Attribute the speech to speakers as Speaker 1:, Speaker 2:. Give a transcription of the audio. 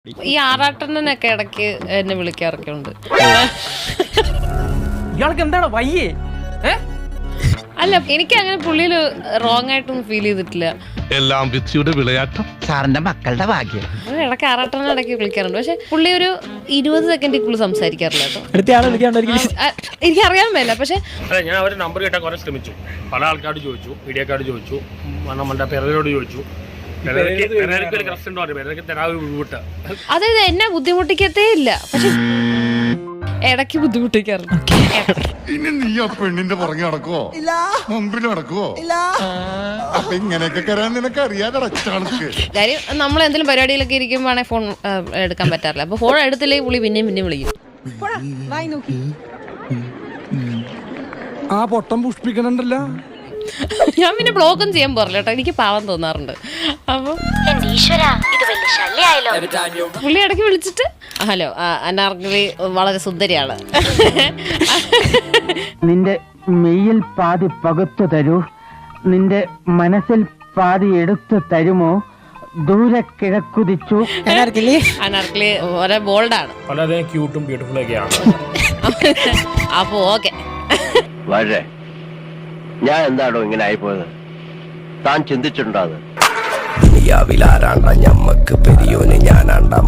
Speaker 1: ഈ ആറാട്ടണ്ണനൊക്കെ ഇടയ്ക്ക് എന്നെ വിളിക്കാറൊക്കെ ഉണ്ട്.
Speaker 2: ഇയാൾക്ക് എന്താണ് വയ്യേ?
Speaker 1: അല്ല, എനിക്ക് അങ്ങനെ പുള്ളിയിൽ റോങ് ആയിട്ടൊന്നും ഫീൽ ചെയ്തിട്ടില്ല.
Speaker 3: എല്ലാം വിധിയുടെ വിളയാട്ടം.
Speaker 4: സാറിന്റെ മക്കളുടെ ഭാഗ്യം.
Speaker 1: ഇടയ്ക്ക് ആറാട്ടണ്ണൻ ഇടയ്ക്ക് വിളിക്കാറുണ്ട്. പക്ഷെ പുള്ളി ഒരു 20 സെക്കൻഡിൽ കൂടുതൽ സംസാരിക്കാറില്ല കേട്ടോ. എനിക്കറിയാൻ മേല. പക്ഷെ
Speaker 5: ഞാൻ അവരുടെ നമ്പർ കിട്ടാൻ കുറെ ശ്രമിച്ചു. പല ആൾക്കാരോട് ചോദിച്ചു, മീഡിയക്കാരോട് ചോദിച്ചു, നമ്മളുടെ പിറരോട് ചോദിച്ചു.
Speaker 1: അതായത് എന്നെ ബുദ്ധിമുട്ടിക്കത്തേ ഇല്ല, പക്ഷെ ഇടയ്ക്ക് ബുദ്ധിമുട്ടിക്കാറുണ്ട്.
Speaker 6: ഇനി നീ ആ പെണ്ണിന്റെ പുറകെ നടക്കുവോ? മുമ്പിൽ നടക്കുവോ? അപ്പൊ ഇങ്ങനെയൊക്കെ കരാൻ നിനക്ക് അറിയാതെ
Speaker 1: കാര്യം നമ്മൾ എന്തെങ്കിലും പരിപാടിയിലൊക്കെ ഇരിക്കുമ്പോഴാണെങ്കിൽ ഫോൺ എടുക്കാൻ പറ്റാറില്ല. അപ്പൊ ഫോൺ എടുത്തില്ലെങ്കിൽ പുള്ളി പിന്നെയും വിളിക്കും.
Speaker 6: ആ പൊട്ടം പുഷ്പിക്കണുണ്ടല്ലോ.
Speaker 1: ഞാൻ പിന്നെ ബ്ലോക്കും ചെയ്യാൻ പോറില്ല കേട്ടോ, എനിക്ക് പാവം തോന്നാറുണ്ട്. അപ്പൊ പുള്ളി ഇടയ്ക്ക് വിളിച്ചിട്ട് ഹലോ, അനാർക്കലി വളരെ സുന്ദരിയാണ്.
Speaker 4: നിന്റെ മെയ്യിൽ പാതി പകുത്തു തരൂ, നിന്റെ മനസ്സിൽ പാതി എടുത്തു തരുമോ, ദൂരെ കിഴക്കുതിച്ചു.
Speaker 1: അനാർക്കലി വളരെ ബോൾഡാണ്,
Speaker 5: വളരെ ക്യൂട്ടും ബ്യൂട്ടിഫുൾ ഒക്കെയാണ്.
Speaker 1: അപ്പൊ ഓക്കെ.
Speaker 7: വളരെ ഞാൻ എന്താണോ ഇങ്ങനെ ആയിപ്പോയത്? താൻ ചിന്തിച്ചിട്ടുണ്ടോ അത്?
Speaker 8: ഞമ്മക്ക് പെരിയോന് ഞാനാണ്ടാ